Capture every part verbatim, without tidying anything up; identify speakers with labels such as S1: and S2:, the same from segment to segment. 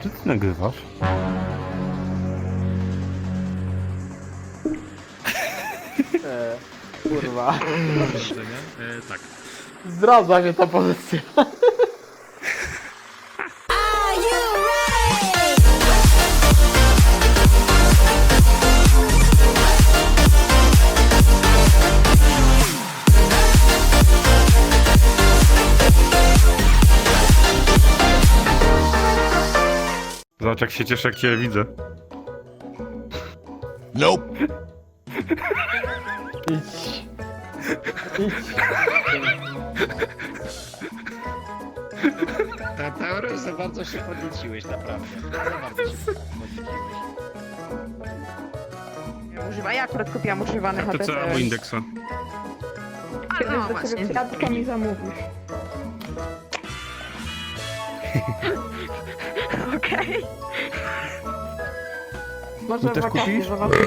S1: Czy ty nagrywasz?
S2: E, kurwa.
S3: E, tak.
S2: Zdradza mnie ta pozycja.
S1: Zobacz jak się cieszę, jak cię widzę.
S4: Nope.
S2: Idź. Idź.
S5: Ta teoria za bardzo się podnieciłeś, naprawdę. Za bardzo się podnieciłeś.
S6: Używa, ja akurat kupiłam używany
S1: To
S6: H P
S1: co albo indeksa.
S6: A no właśnie.
S7: Kwiatka mi zamówisz.
S6: Okej.
S7: Może
S1: też
S7: wakacje
S1: kupisz?
S7: zobaczymy.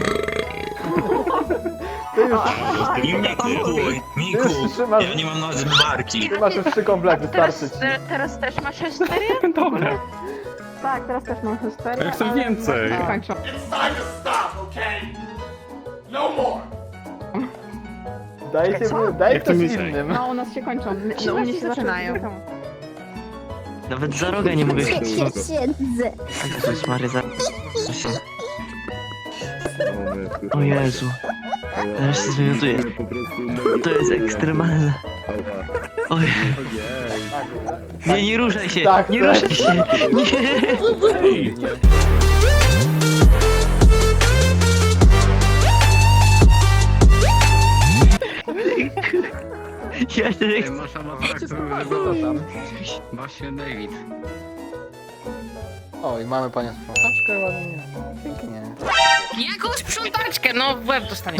S2: Ty już,
S8: Nie mnie kupuj, Miku,
S2: ty już trzymasz,
S8: ja nie mam nawet zmywarki.
S2: ty masz już trzy komplety,
S6: Teraz,
S2: starczy ci.
S6: te- teraz też masz histerię?
S1: Dobra.
S7: Tak, teraz też mam histerię.
S1: A ja chcę
S7: ale
S1: więcej.
S7: właśnie kończą.
S2: Dajcie mu, daj
S1: Jak to
S2: ktoś
S1: mi-
S2: innym.
S7: No, u nas się kończą.
S6: No, u mnie się zaczynają.
S9: Nawet za rogę nie mogę się
S10: Siedzę.
S9: Jezus Mary, za... O Jezu. Teraz się zmiotuje. To jest ekstremalne. Oj. Nie, nie ruszaj się!
S2: Tak,
S9: Nie
S2: tak.
S9: ruszaj się! Nie! Ja się nie chcę.
S3: Masz awatar,
S2: Co tam?
S3: Właśnie David.
S2: O, i mamy panią sprzątaczkę ładnie. Pięknie.
S6: Jaką sprzątaczkę? No, w łeb dostanie.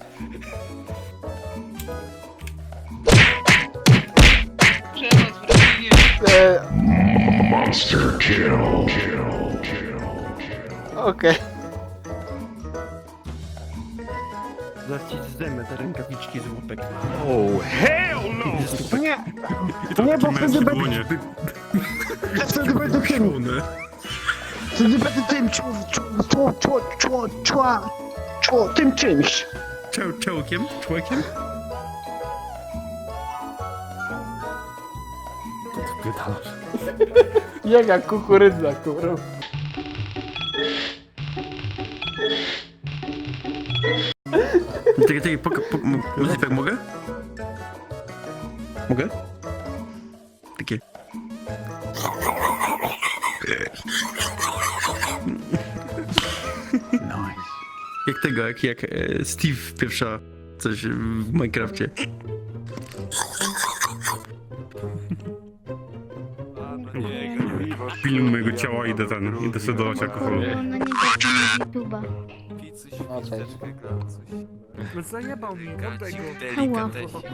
S2: E... Okej.
S3: Zaraz ci zdejmę te rękawiczki z łupek.
S1: Oh, hell no!
S3: Nie!
S1: To nie, bo wtedy będzie...
S3: Wtedy będę tym! Wtedy będę tym czło, czło, czło, czło, czło, czło, tym czymś! Czoł, czołkiem? Człowiekiem?
S1: To ty pytasz.
S2: Jaka kukurydza, kurwa.
S3: Czekaj, czekaj, poka, po, mo- może tak mogę? Mogę? Takie. Jak tego, jak, jak e, Steve pierwsza coś w Minecrafcie.
S1: Pilnuj mojego ciała i idę ten, idę sobie dolać alkoholu.
S10: Ona nie zaczyna YouTube'a.
S2: No cześć.
S3: No zajebał mi, oddaj go.
S10: Hała.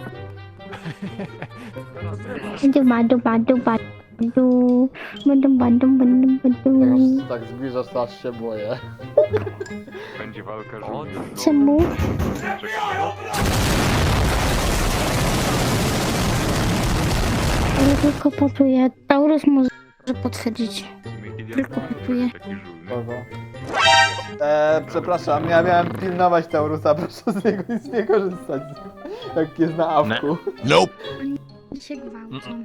S10: Duba, duba, duba, du. Duba, duba, duba, du.
S2: Jak tak zbliżasz, to aż się boję.
S4: Będzie walka żółwia.
S10: Czemu? Ja tylko patuję. Taurus może potwierdzić. Tylko patuję.
S2: Kogo? Eee, przepraszam, ja miałem pilnować Taurusa, proszę z niego nic nie korzystać. Jak jest na awku.
S4: Nope.
S10: Się gwałcą.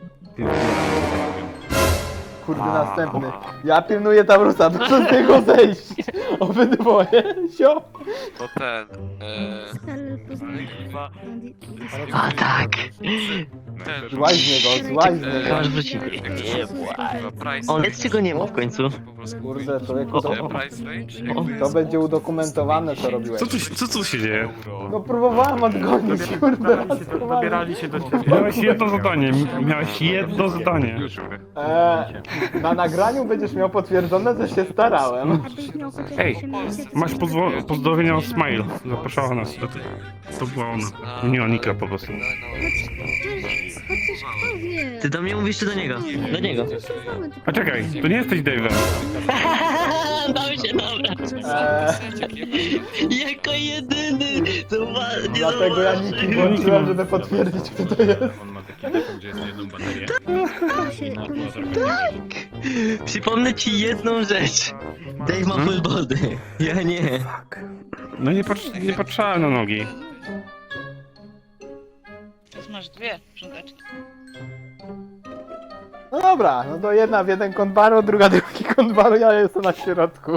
S2: Kurde, następny. Ja pilnuję Taurusa, proszę z niego zejść. Obydwoje, sio.
S4: To ten.
S10: Ale poznaj.
S9: A tak!
S4: Ten.
S2: Złaź z niego, złaź z niego.
S9: Masz wrócić.
S4: Price.
S9: O, lecz czego nie ma w końcu?
S2: Kurde, człowieku, to,
S4: Price range?
S9: O,
S2: to będzie udokumentowane, co robiłeś.
S1: Co tu, się- co tu się dzieje?
S2: No próbowałem odgonić, kurde, raz próbowałem.
S3: Dobierali się do ciebie.
S1: Miałeś jedno zadanie, miałeś jedno zadanie.
S2: Eee, na nagraniu będziesz miał potwierdzone, że się starałem.
S10: Abyś miał chociaż
S1: Ej,
S10: osiemnaście
S1: Masz pozwo- pozdrowienia od Smile. Zapraszała nas. To, to była ona. Nie Onika po prostu.
S10: Chociaż kto wie?
S9: ty do mnie mówisz czy do niego? Do niego.
S1: A czekaj, to nie jesteś Dave'em.
S9: Dał się, dobra.
S2: Eee,
S9: Jako jedyny! To ma... nie
S2: dlatego ja
S9: zauważyłem.
S2: niki włączyłem, żeby potwierdzić, kto to jest.
S3: On ma taki telefon, gdzie jest jedną baterię.
S10: się... To mi się...
S9: Przypomnę ci jedną rzecz. Dave ma full body. Ja nie.
S1: No nie, patrz, nie patrzałem na nogi.
S6: Masz dwie sprzątaczki.
S2: No dobra, no to jedna w jeden kąt baru, druga drugi kąt baru, ja jestem na środku.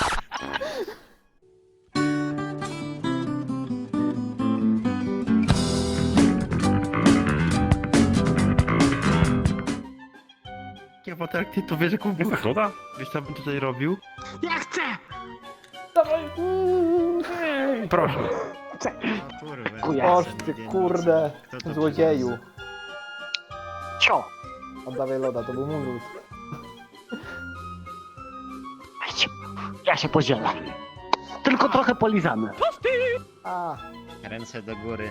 S3: Ja potem jak ty to wiesz, jaką
S1: Jest nagroda?
S3: wiesz co bym tutaj robił?
S9: Ja chcę!
S1: Proszę.
S2: Oż ty kurde, złodzieju.
S3: Cio!
S2: Oddawaj loda, to był mój lód.
S3: Ja się podzielę. Tylko trochę polizamy.
S2: A,
S5: Ręce do góry.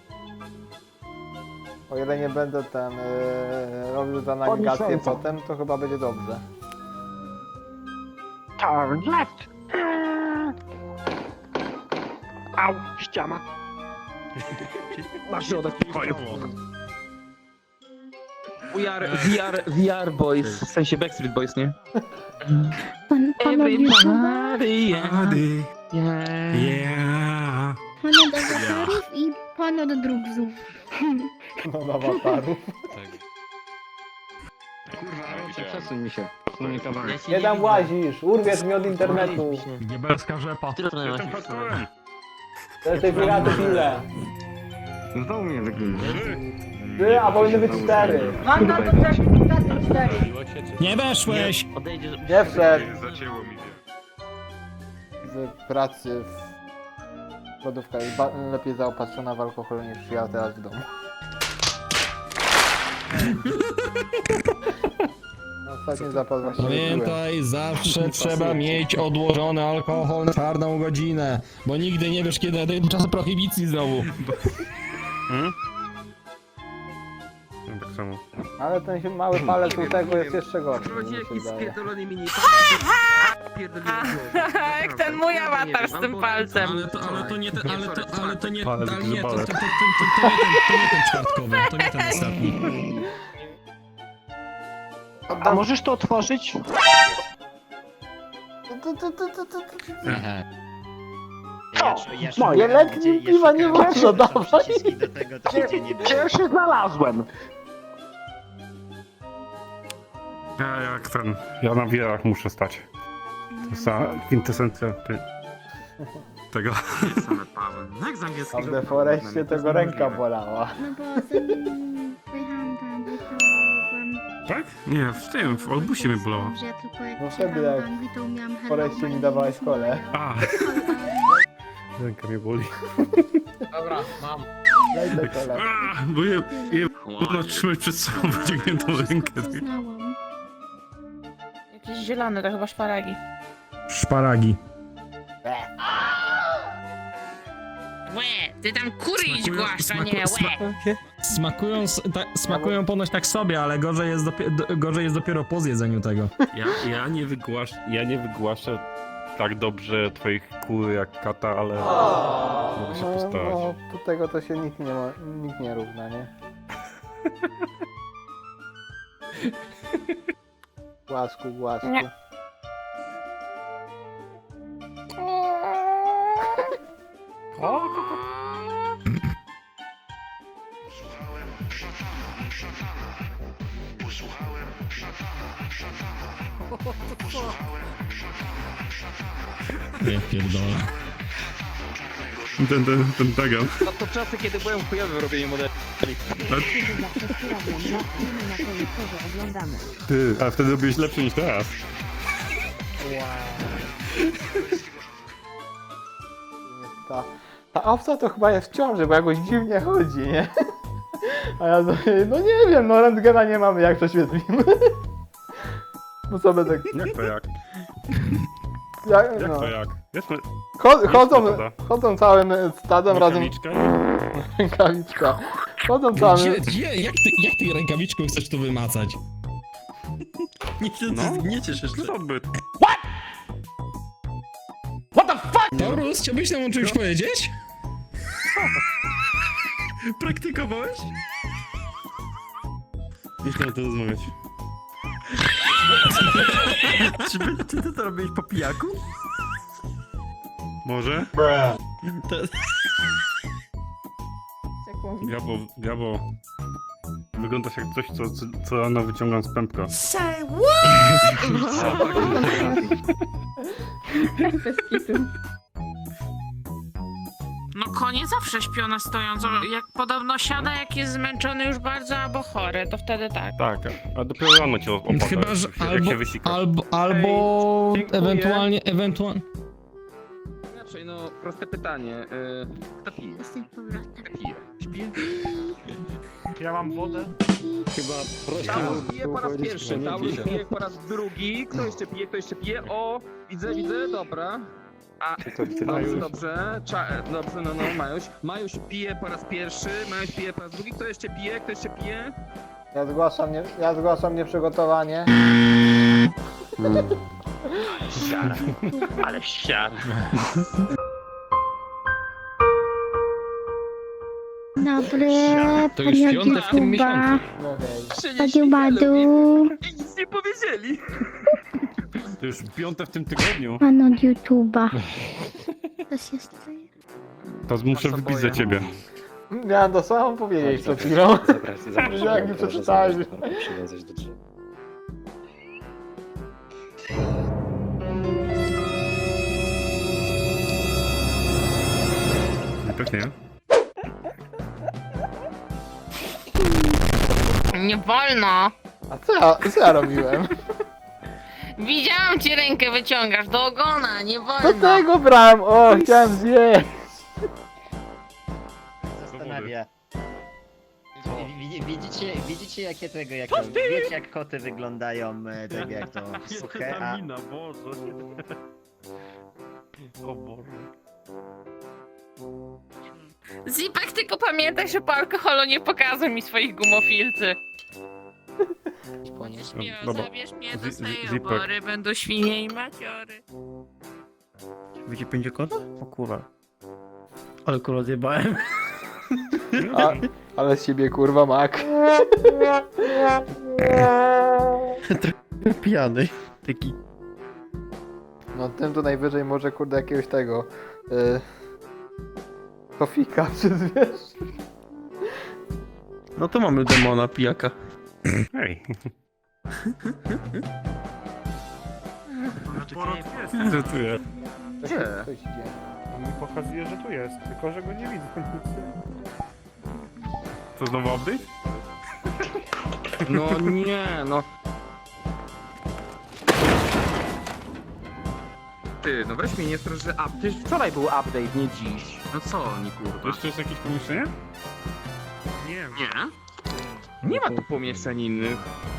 S2: o ile nie będę ten yy, robił za nawigację
S3: Podnieś ręce.
S2: potem, to chyba będzie dobrze.
S3: Turn left. Au, ściana. Na środek pokoju.
S11: We are, we are, we are boys, w sensie Backstreet Boys, nie?
S10: Pan, panowie, chyba...
S3: Ady.
S1: Yeah.
S10: Pan od awatarów i pan od drugsów.
S2: No na awatarów.
S3: Przesuń mi się. Przesuń mi kawałek.
S2: Nie tam łazisz, urwiesz mi od internetu.
S3: Diabelska rzepa.
S9: Tyle to masz.
S2: To jest tej piraty ile?
S3: Znowu mnie wygrywa.
S2: Trzy, a powinny być cztery.
S6: Mam na to też cztery.
S11: Nie weszłeś!
S9: Odejdziesz.
S2: Nie wszedł
S4: Zacięło mi się.
S2: z pracy w lodówka jest ba- lepiej zaopatrzona w alkohol niż ja teraz w domu. Ostatni zapas właśnie wypiłem.
S11: Pamiętaj, zawsze trzeba mieć odłożony alkohol na czarną godzinę, bo nigdy nie wiesz, kiedy nadejdą czasy prohibicji znowu.
S1: Hmm? No, tak samo.
S2: Ale ten się mały palec u tego jest jeszcze gorszy, mi się wydaje.
S6: Jak ten mój awatar z tym palcem.
S11: Ale to, ale to nie ten, ale to, ale to nie,
S1: Palec
S11: ale nie, to, to, to,
S1: grzybałek.
S11: to, to, to, nie ten, to nie ten czwartkowy, to nie ten ostatni.
S3: A możesz to otworzyć?
S5: Ja, ja, ja
S3: moje.
S5: szukałem,
S2: Letnie
S5: gdzie- ja
S2: piwa nie
S5: szukałem,
S2: można
S5: gdzie są
S2: dawać.
S5: przyciski do tego, to nigdzie nie było.
S3: Gdzie się znalazłem?
S1: Ja jak ten, ja na wiarach muszę stać. To jest ta kwintesencja ty, tego.
S2: A w deforeście tego ręka bolała.
S10: No bo zanim pojechałam do Anglii, to byłam...
S1: Tak? Nie, w tym, w Olbusie mnie bolało.
S10: Że ja tylko jak
S2: No
S10: przyjechałam
S2: wtedy jak
S10: do Anglii, to miałam
S2: W foreście
S10: hello,
S2: mi
S10: my
S2: dawałeś
S10: name is
S2: kole.
S1: A, ręka mnie boli.
S5: Dobra, mam.
S2: Daj te kole.
S1: A, bo je, je można trzymać przed sobą wyciągniętą rękę.
S10: To znałam.
S6: Jakieś zielone, to chyba szparagi.
S11: Szparagi.
S6: Łe, ty tam kury idź
S11: Smakują-
S6: głaszcza,
S11: smaku-
S6: nie,
S11: sma-
S6: łe.
S11: Smakują, s- ta, smakują ponoć tak sobie, ale gorzej jest, dopie, do, gorzej jest dopiero po zjedzeniu tego.
S1: Ja, ja nie wygłasz, ja nie wygłaszę tak dobrze twoich kur jak kata, ale mogę się
S2: No,
S1: postarać.
S2: no, do tego to się nikt nie, ma, nikt nie równa, nie? Głaszku, głaszku.
S6: Nie.
S11: Ja pierdolę.
S1: Ten, ten, ten tagam.
S5: No to czasy, kiedy byłem chujowy w robieniu modeli.
S1: Ty, ale wtedy byłeś lepszy niż teraz.
S2: Ta, ta owca to chyba jest w ciąży, bo jakoś dziwnie chodzi, nie? A ja sobie, no nie wiem, no rentgena nie mamy, jak prześwietlimy. No co będę...
S1: Jak to jak?
S2: Jak,
S1: Jak
S2: no.
S1: to jak? Jest me-
S2: Cho- chodzą,
S1: metoda.
S2: chodzą całym stadem razem...
S1: rękawiczka?
S2: Rękawiczka. Chodzą całym...
S11: Gdzie, gdzie, jak, ty, jak ty rękawiczką chcesz tu wymacać? Nie, ty,
S1: No.
S11: nie ciesz jeszcze.
S1: Co by?
S11: Taurus, chciałbyś nam o czymś powiedzieć?
S1: Praktykowałeś? Nie chciałem to rozmawiać.
S3: Czy, by, czy ty to robiłeś po pijaku?
S1: Może?
S3: To...
S7: Jak mówi.
S1: Gabo, Gabo. Wyglądasz jak coś, co, co, co rano wyciągam z pępka.
S7: Bez kitu.
S6: No konie zawsze śpią na stojąco. Jak podobno siada, jak jest zmęczony już bardzo albo chory, to wtedy tak.
S1: Tak, a dopiero rano cię opada.
S11: Chyba, że
S1: jak się- jak
S11: albo,
S1: się wysika.
S11: albo, albo
S2: dziękuję.
S11: ewentualnie, ewentualnie...
S4: Inaczej, no, proste pytanie. y, Kto pije? Kto pije? Śpi?
S2: Ja mam wodę.
S5: Chyba prościej
S4: Taurus
S5: było
S4: pije po raz
S5: powiedzieć,
S4: pierwszy,
S5: że nie
S4: Taurus
S5: pije.
S4: pije po raz drugi. Kto jeszcze pije? Kto jeszcze pije? O, widzę, widzę, dobra. A, dobrze, dobrze, Cza, dobrze, no, no, Majuś. Majuś pije po raz pierwszy, Majuś pije po raz drugi. Kto jeszcze pije? Kto jeszcze pije?
S2: Ja zgłaszam, nie, ja zgłaszam nieprzygotowanie.
S9: Siara. Ale siara.
S10: Dobry,
S11: To już
S10: panie
S11: piąte w tym
S10: YouTuba.
S11: miesiącu.
S2: No hej.
S10: Badu badu.
S4: I nic nie powiedzieli.
S1: To już piąte w tym tygodniu.
S10: Pan od YouTuba. Co się staje?
S1: To muszę
S4: Was
S1: wybić
S4: oboje.
S1: za ciebie.
S2: Miałem to samo powiedzieć przed chwilą.
S5: Zapraszam,
S2: Jak mi przeczytałeś.
S5: przywiązać do drzewa.
S1: Pewnie.
S6: Nie wolno.
S2: A co ja, co ja robiłem?
S6: Widziałam ci rękę wyciągasz do ogona, nie
S2: Do
S6: wolno.
S2: tego brałem, o, chciałem zjeść.
S5: Zastanawia. Wi- Widzicie, widzicie jakie tego, jak to, wiecie jak koty wyglądają, e, tego jak to suche, a...
S3: Boże. O Boże.
S6: Zipek, tylko pamiętaj, że po alkoholu nie pokazuj mi swoich gumofilcy. Nie śmieję,
S1: Dobra.
S6: zabierz mnie do
S1: Zi-
S6: swojej
S1: Zipek.
S6: obory, będą świnie i maciory.
S3: Wiecie pięciu kota? O kurwa. Ale kurwa zjebałem.
S2: A, ale z ciebie kurwa mak.
S3: Pijany. Taki.
S2: No tym to najwyżej może kurde jakiegoś tego. Y, Tofika przyzwiesz.
S3: No to mamy demona pijaka.
S1: Hej. Że tu jest.
S4: Gdzie?
S2: Coś idzie.
S1: On mi pokazuje, że tu jest, tylko że go nie widzę. To znowu update?
S4: No nie, no. Ty, no weź mnie nie strasz, że up... Przecież wczoraj był update, nie dziś. No co oni,
S1: To
S4: kurwa?
S1: jeszcze jest jakieś pomieszczenie? Nie.
S4: Nie? Nie ma tu pomieszczeń innych.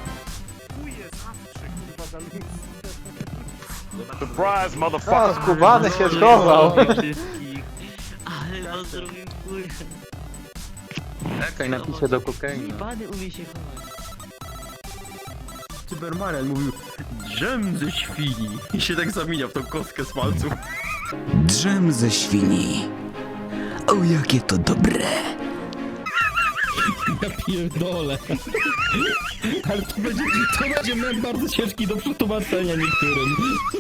S1: Surprise,
S2: A,
S1: motherfucker!
S2: skubany się schował.
S9: Ale on zrobił kurwa.
S4: Czekaj, napiszę do kokainy.
S9: Bany umie się chować.
S3: Cybermarian mówił drzem ze świni i się tak zamienia w tą kostkę z palców.
S8: Drzem ze świni. O, jakie to dobre.
S11: Ja pierdolę. Ale to będzie, to będzie mem bardzo ciężki do przetłumaczenia niektórym.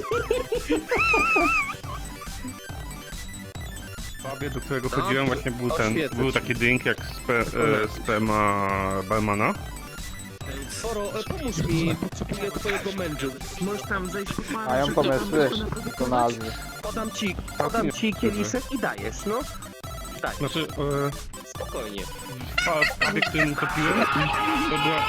S1: W pubie, do którego
S4: Dobrze,
S1: chodziłem, właśnie był ten,
S4: oświecę
S1: był
S4: ci.
S1: taki drink jak spe, e, sperma barmana.
S4: Soro, pomóż mi, potrzebuję twojego mężu. Możesz tam zejść po
S2: Mają pomysły, to nazwy.
S4: Podam ci, podam ci kieliszek i dajesz, no. Daj,
S1: Znaczy, e,
S4: spokojnie.
S1: w pa- pubie, którym to piłem, to była...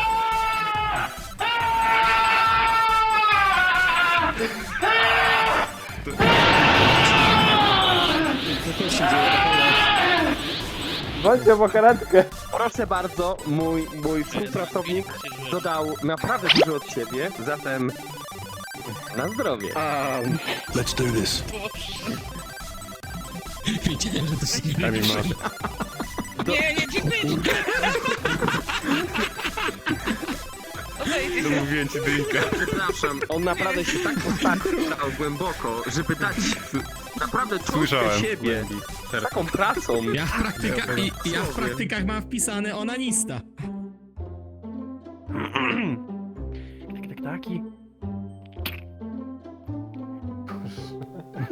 S2: Bądźcie po karetkę.
S4: Proszę bardzo, mój, mój współpracownik dodał naprawdę dużo od siebie, zatem na zdrowie.
S8: Let's do this.
S11: Wiedziałem, że to się nie
S1: Kami masz.
S6: Nie, nie, dziękuję.
S1: To mówiłem ci drinka.
S4: Przepraszam, on naprawdę się tak postawił głęboko, żeby dać naprawdę czuć
S1: Słyszałem.
S4: siebie z taką pracą.
S11: Ja w, praktyka, i, ja w praktykach mam wpisane onanista.
S3: Tak, tak, taki.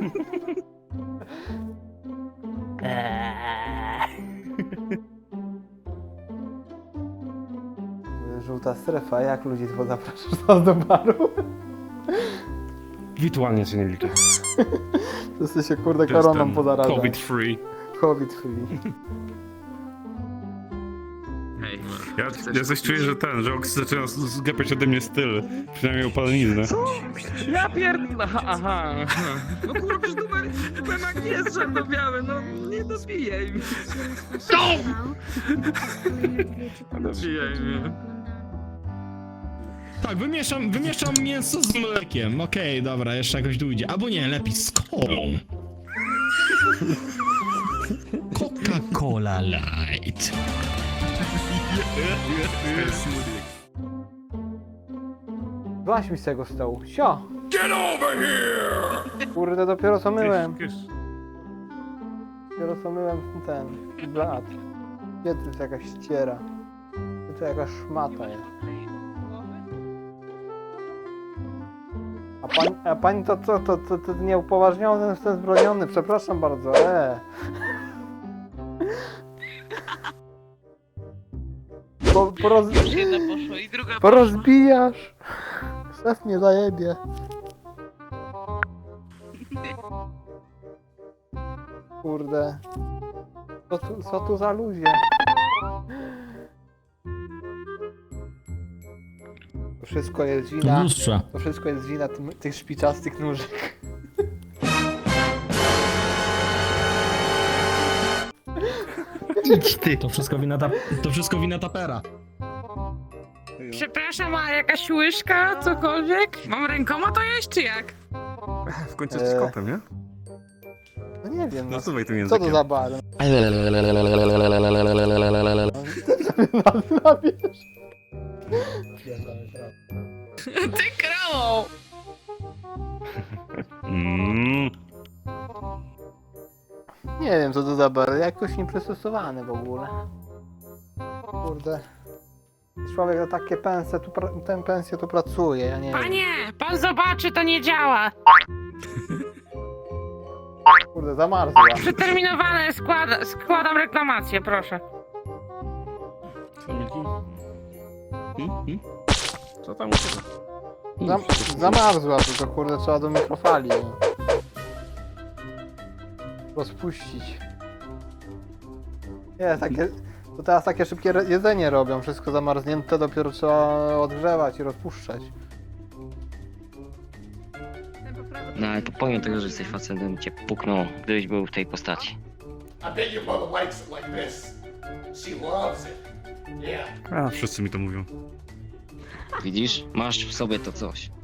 S2: Żółta strefa, jak ludzi to zapraszasz do baru?
S1: Wirtualnie się nie liczy.
S2: Wszyscy się kurde
S1: To jest
S2: koroną
S1: ten
S2: pozarażają.
S1: COVID free.
S2: COVID free.
S4: Hej,
S1: Ja, ja coś czuję, że ten, że Ox zaczyna z- zgapiać ode mnie styl. Przynajmniej upaleniznę.
S4: Ja pierdolę, aha, aha, aha. No kurwa, przecież numer, numer nie jest czarno-biały, no nie dobijaj mnie. Dobijaj mnie.
S11: Tak, wymieszam, wymieszam mięso z mlekiem. Okej, dobra, jeszcze jakoś dojdzie. Albo nie, lepiej z kolą. Coca-Cola Light.
S2: Złaź mi z tego stołu. Sio! Get over here! Kurde, dopiero co myłem. Dopiero co myłem ten blat. Gdzie to jest jakaś ściera? Gdzie to jakaś szmata jest? A pani, a pani to co, to, to, to nieupoważniony jestem zbroniony, przepraszam bardzo, eee. Po, poroz...
S6: Jedna poszła i druga
S2: Porozbijasz! Szef mnie zajebie. Kurde. Co tu, co tu za ludzie? To wszystko jest
S11: Do
S2: wina.
S11: lustrza.
S2: To wszystko jest wina tym, tych szpiczastych nóżek.
S11: Idź ty. To wszystko wina, ta, to wszystko wina tapera.
S6: Przepraszam, a jakaś łyżka, cokolwiek? Mam rękoma to jeść, czy jak?
S1: W końcu jesteś
S2: Eee.
S1: kotem, nie?
S2: No nie wiem, no,
S1: Nasuwaj tym
S2: co
S1: językiem.
S2: to za bar?
S6: Ty krową!
S1: Mm.
S2: Nie wiem co to za bar, jakoś nieprzystosowany w ogóle. Kurde. Człowiek za takie pensje tu, pra- tę pensję tu pracuje, ja nie wiem.
S6: Panie, pan zobaczy, to nie działa.
S2: Kurde, zamarzła.
S6: Przeterminowane, składa, składam reklamację, proszę.
S1: Co tam u ciebie?
S2: Zam zamarzła, tylko kurde trzeba do mikrofali. No. Rozpuścić. Nie, takie, to teraz takie szybkie re- jedzenie robią, wszystko zamarznięte, dopiero trzeba odgrzewać i rozpuszczać.
S9: No ale to pomimo tego, że jesteś facetem, cię puknął, gdybyś był w tej postaci.
S1: A, wszyscy mi to mówią.
S9: Widzisz? Masz w sobie to coś.